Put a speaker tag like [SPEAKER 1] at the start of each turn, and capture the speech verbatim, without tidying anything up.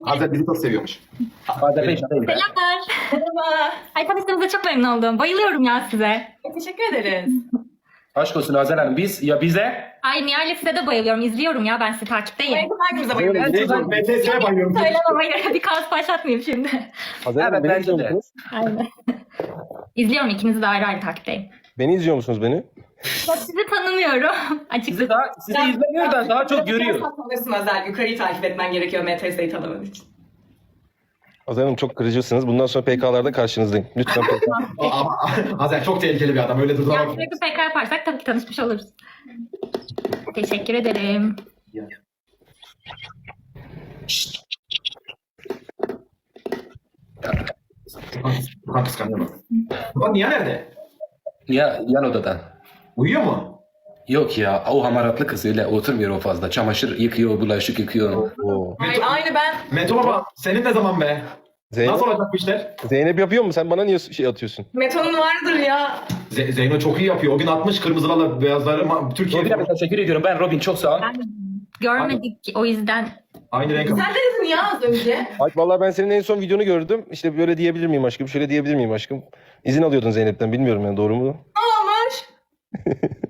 [SPEAKER 1] Hazret bizi çok seviyormuş.
[SPEAKER 2] Bazen beş değil.
[SPEAKER 3] Selamlar.
[SPEAKER 4] Merhaba.
[SPEAKER 3] Ay tanıştığımıza çok memnun oldum. Bayılıyorum ya size.
[SPEAKER 4] Teşekkür ederiz.
[SPEAKER 2] Aşk olsun Hazel Hanım. Biz ya bize
[SPEAKER 3] Ay Nihal'le size de bayılıyorum. İzliyorum ya ben sizi takipteyim.
[SPEAKER 4] Hangimize bayılıyoruz?
[SPEAKER 1] B T S'ye bayılıyorum.
[SPEAKER 3] Söylemem hayır. Bir kaos başlatmayayım şimdi.
[SPEAKER 5] Hazel Hanım,
[SPEAKER 2] Evet,
[SPEAKER 5] beni
[SPEAKER 2] bence
[SPEAKER 5] izliyor
[SPEAKER 2] de.
[SPEAKER 5] musunuz?
[SPEAKER 3] Aynen. İzliyorum ikinizi de ayrı ayrı takipteyim.
[SPEAKER 5] Beni izliyor musunuz beni?
[SPEAKER 3] Ya sizi tanımıyorum. Açıkçası.
[SPEAKER 2] sizi daha sizi izlemiyor da daha çok görüyor.
[SPEAKER 4] Tanırsın Özel. Yukarıyı takip etmen gerekiyor M T S'yi tanıman için.
[SPEAKER 5] Hazel Hanım çok kırıcısınız. Bundan sonra P K'larda karşınızdayım. Lütfen P K.
[SPEAKER 1] Ama Hazret çok tehlikeli bir adam. Öyle
[SPEAKER 3] Ya
[SPEAKER 1] durduramam.
[SPEAKER 3] sürekli P K yaparsak tabii ki tanışmış oluruz. Teşekkür ederim.
[SPEAKER 1] Furkan kıskanıyor bak. Furkan niye nerede?
[SPEAKER 2] Ya yan odadan.
[SPEAKER 1] Uyuyor mu?
[SPEAKER 2] Yok ya o hamaratlı kız öyle oturmuyor o fazla. Çamaşır yıkıyor, bulaşık yıkıyor.
[SPEAKER 5] Oo.
[SPEAKER 4] Ay, aynı ben.
[SPEAKER 1] Meto baba senin ne zaman be?
[SPEAKER 5] Zeynep,
[SPEAKER 1] Nasıl olacak bu işler?
[SPEAKER 5] Zeynep yapıyor mu? Sen bana niye şey atıyorsun?
[SPEAKER 4] Metonun vardır ya.
[SPEAKER 1] Ze- Zeyno çok iyi yapıyor. O gün atmış kırmızılarla beyazları ma- Türkiye.
[SPEAKER 2] Robin abi teşekkür ediyorum. Ben Robin çok sağ ol.
[SPEAKER 3] Ben görmedik o yüzden.
[SPEAKER 1] Aynı renk.
[SPEAKER 4] Sen de dedin ya az önce.
[SPEAKER 5] Ay vallahi ben senin en son videonu gördüm. İşte böyle diyebilir miyim aşkım? Şöyle diyebilir miyim aşkım? İzin alıyordun Zeynep'ten. Bilmiyorum yani doğru mu?
[SPEAKER 4] Ne olmuş?